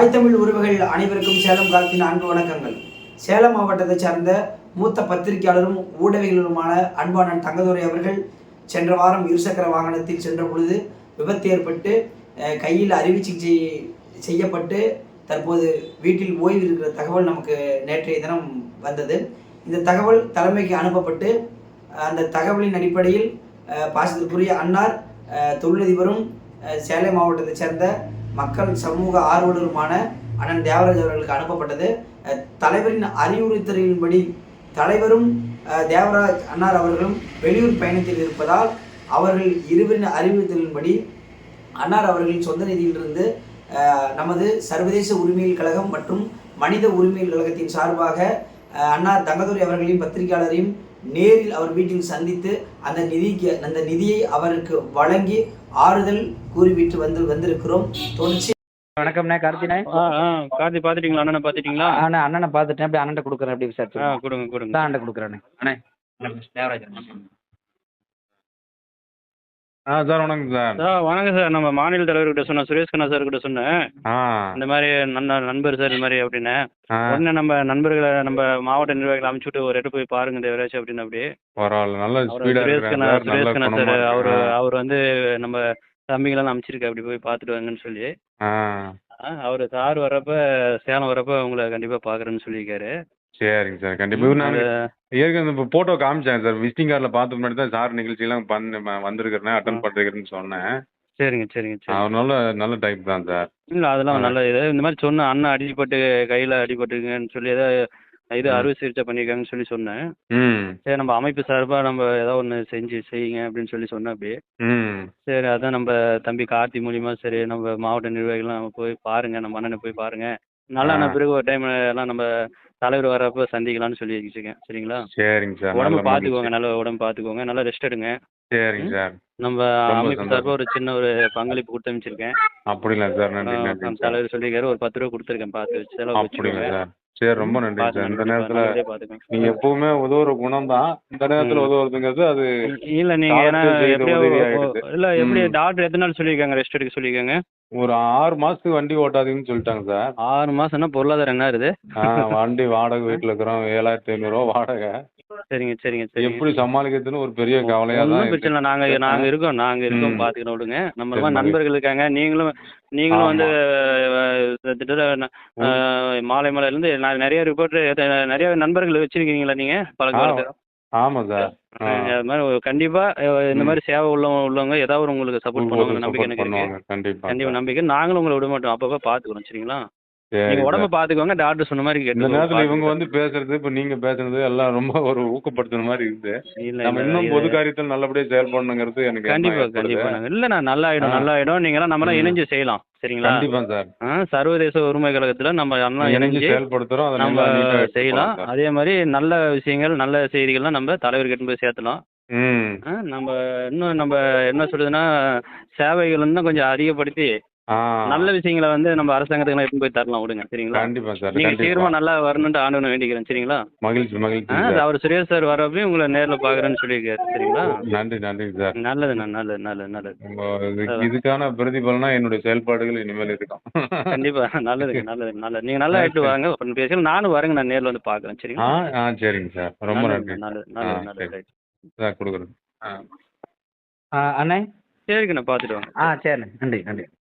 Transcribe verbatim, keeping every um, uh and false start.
தாய் தமிழ் உறவுகள் அனைவருக்கும் சேலம் காலத்தின் அன்பு வணக்கங்கள். சேலம் மாவட்டத்தை சார்ந்த மூத்த பத்திரிகையாளரும் ஊடகங்களுமான அன்பானன் தங்கதுரை அவர்கள் சென்ற வாரம் இருசக்கர வாகனத்தில் சென்ற பொழுது விபத்து ஏற்பட்டு கையில் அறுவை சிகிச்சை செய்யப்பட்டு தற்போது வீட்டில் ஓய்வு இருக்கிற தகவல் நமக்கு நேற்றைய தினம் வந்தது. இந்த தகவல் தலைமைக்கு அனுப்பப்பட்டு அந்த தகவலின் அடிப்படையில் பாசத்திற்குரிய அன்னார் தொழிலதிபரும் சேலம் மாவட்டத்தை சேர்ந்த மக்கள் சமூக ஆர்வலருமான அண்ணன் தேவராஜ் அவர்களுக்கு அனுப்பப்பட்டது. தலைவரின் அறிவுறுத்தலின்படி தலைவரும் தேவராஜ் அன்னார் அவர்களும் வெளியூர் பயணத்தில் இருப்பதால் அவர்கள் இருவரின் அறிவுறுத்தலின்படி அன்னார் அவர்களின் சொந்த நிதியிலிருந்து நமது சர்வதேச உரிமைகள் கழகம் மற்றும் மனித உரிமைகள் கழகத்தின் சார்பாக அன்னார் தங்கதுரை அவர்களின் பத்திரிகையாளரையும் நேரில் அவர் வீட்டில் சந்தித்து அந்த நிதிக்கு அந்த நிதியை அவருக்கு வழங்கி ஆறுதல் கூறிவிட்டு வந்து வந்திருக்கிறோம். தொடர்ச்சி வணக்கம்ண்ணே, கார்த்தினே. கார்த்தி பார்த்துட்டீங்களா? அண்ணனை பார்த்துட்டீங்களா? அண்ணா அண்ணனை பார்த்துட்டேன். அப்படி அண்ணன் கொடுக்குறேன். அப்படி சார் ஆ கொடுங்க கொடுங்க. தான் அண்ணன் கொடுக்குறேண்ணே. அண்ணே தேவராஜ். ஆ சார் வணக்கம் சார். சார் வணக்கம் சார். நம்ம மாநில தலைவர்கிட்ட சொன்னேன், சுரேஷ் கண்ணா சார் கிட்ட சொன்னேன். இந்த மாதிரி நன்ன நண்பர் சார் இந்த மாதிரி அப்படின்னு உடனே நம்ம நண்பர்களை நம்ம மாவட்ட நிர்வாகிகளை அனுப்பிச்சுட்டு ஒரு இடத்து போய் பாருங்க தேவராஜ் அப்படின்னு. அப்படி பரவாயில்ல, நல்ல சுரேஷ் கண்ணா சுரேஷ் கண்ணா சார் அவரு அவர் வந்து நம்ம தம்பிகளெல்லாம் அனுப்பிச்சிருக்க அப்படி போய் பார்த்துட்டு வாங்கன்னு சொல்லி அவர் சார் வர்றப்ப சேலம் வர்றப்ப உங்களை கண்டிப்பா பாக்குறேன்னு சொல்லியிருக்காரு. சரிங்க சார், கண்டிப்பாக. நான் ஏற்கனவே இப்போ ஃபோட்டோ காமிச்சேன் சார். விசிட்டிங் கார்டில் பார்த்து முன்னாடி தான் சார் நிகழ்ச்சியெல்லாம் பண்ண வந்திருக்கிறேன், அட்டன் பண்ணிருக்கிறேன்னு சொன்னேன். சரிங்க சரிங்க சரி. அவர் நல்ல நல்ல டைப் தான் சார். இல்லை அதெல்லாம் நல்ல இது. இந்த மாதிரி சொன்னேன், அண்ணன் அடிப்பட்டு கையில் அடிபட்டுருங்கன்னு சொல்லி ஏதாவது இது அறுவை சிகிச்சை பண்ணியிருக்காங்கன்னு சொல்லி சொன்னேன். ம் சரி நம்ம அமைப்பு சார்பாக நம்ம ஏதாவது ஒன்று செஞ்சு செய்யுங்க அப்படின்னு சொல்லி சொன்னேன். அப்படி ம் சரி அதான் நம்ம தம்பி கார்த்தி மூலியமா சரி நம்ம மாவட்ட நிர்வாகிகள்லாம் நம்ம போய் பாருங்க, நம்ம அண்ணனை போய் பாருங்க, நல்லா நான் பிறகு ஒரு டைம் எல்லாம் நம்ம தலைவர் வரப்போ சந்திக்கலாம்னு சொல்லி வச்சுருக்கேன். சரிங்களா? சரிங்க சார். உடம்பு பார்த்துக்கோங்க, நல்லா உடம்பு பார்த்துக்கோங்க, நல்லா ரெஸ்ட் எடுங்க. சரிங்க சார். நம்ம அமைப்பு சார்பாக ஒரு சின்ன ஒரு பங்களிப்பு கொடுத்து அமைச்சிருக்கேன். அப்படிங்களா சார்? நன்றி நன்றி. தலைவர் சொல்லியிருக்காரு, ஒரு பத்து ரூபா கொடுத்துருக்கேன், பார்த்து செலவு. அப்படிங்களா சார்? சரி, ரொம்ப நன்றி சார். இந்த நேரத்தில் நீங்க எப்பவுமே உதவுற குணம் தான், இந்த நேரத்தில் உதவுறதுங்கிறது அது இல்லை. நீங்க ஏன்னா எப்படியோ இல்லை எப்படி டாக்டர் எத்தனை நாள் சொல்லியிருக்காங்க ரெஸ்ட் எடுக்க சொல்லியிருக்காங்க? ஒரு ஆறு மாசத்துக்கு வண்டி ஓட்டாதீங்கன்னு சொல்லிட்டாங்க சார். ஆறு மாசம்னா பொருளாதாரம் என்ன இருக்குது? வண்டி வாடகை வீட்டில் இருக்கிறோம், ஏழாயிரத்தி ஐநூறுரூவா வாடகை. சரிங்க சரிங்க சரி. எப்படி சமாளிக்கிறதுன்னு ஒரு பெரிய கவலையா தான். பிரச்சனை இல்லை, நாங்க நாங்க இருக்கோம் நாங்க இருக்கோம் பார்த்துக்கணும் விடுங்க. நம்ம மாதிரி நண்பர்கள் இருக்காங்க, நீங்களும் நீங்களும் வந்து மாலை மலையிலேருந்து நிறைய ரிப்போர்ட் நிறைய நண்பர்கள் வச்சிருக்கீங்களா நீங்க பல காலத்தில்? ஆமாம் சார். அது மாதிரி கண்டிப்பா இந்த மாதிரி சேவை உள்ள உள்ளவங்க ஏதாவது உங்களுக்கு சப்போர்ட் பண்ணுவாங்க நம்பிக்கை எனக்கு இருக்கு. கண்டிப்பா கண்டிப்பா நம்பிக்கை. நாங்களும் உங்களை விட மாட்டோம், அப்பப்போ பார்த்துக்கிறோம். சரிங்களா? நீங்க உடம்ப பாத்துக்கோங்க, டாக்டர் சொன்ன மாதிரி கேட்டு. இந்த நேரத்துல இவங்க வந்து பேசுறது, இப்ப நீங்க பேசுறது எல்லாம் ரொம்ப ஒரு ஊக்கப்படுத்துற மாதிரி இருக்குது. நம்ம இன்னும் பொது காரியத்தில் நல்லபடியா செயல்படணுங்கிறது எனக்கு. கண்டிப்பா கண்டிப்பா. இல்ல நான் நல்லா ஆயிடும் நல்லா ஆயிடும். நீங்க எல்லாம் நம்ம எல்லாம் இணைஞ்சு செய்யலாம். சரிங்களா? கண்டிப்பா சார். சர்வதேச உரிமை கழகத்துல நம்ம எல்லாம் இணைஞ்சு செயல்படுத்துறோம், அதை நம்ம செய்யலாம். அதே மாதிரி நல்ல விஷயங்கள் நல்ல செய்திகள்லாம் நம்ம தலைவர் கிட்ட போய் சேர்த்தலாம். நம்ம இன்னும் நம்ம என்ன சொல்றதுன்னா சேவைகள் இன்னும் கொஞ்சம் அதிகப்படுத்தி நல்ல விஷயங்களை வந்து நம்ம அரசாங்கத்துக்கு எடுத்து போய் தரலாம் விடுங்க. சரிங்களா? கண்டிப்பா சார். நீங்க சீக்கிரமா நல்லா வரணும்னு ஆண்டு வேண்டிக்கிறேன். சரிங்களா? மகிழ்ச்சி மகிழ்ச்சி. அவர் சுரேஷ் சார் வரப்பையும் உங்களை நேரில் பாக்குறேன்னு சொல்லியிருக்காரு. சரிங்களா? நன்றி நன்றி சார். நல்லது நல்லது நல்லது நல்லது. இதுக்கான பிரதிபலனா என்னுடைய செயல்பாடுகள் இனிமேல் இருக்கும். கண்டிப்பா. நல்லது நல்லது நல்லது. நீங்க நல்லா ஆயிட்டு வாங்க, பேசலாம். நானும் வரேங்க, நான் நேரில் வந்து பாக்குறேன். சரிங்களா? ஆ சரிங்க சார், ரொம்ப நன்றி. நல்லது நல்லது நல்லது சார் கொடுக்குறேன். அண்ணே சரிங்க, நான் பார்த்துட்டு வாங்க. ஆ சரிண்ணே, நன்றி நன்றி.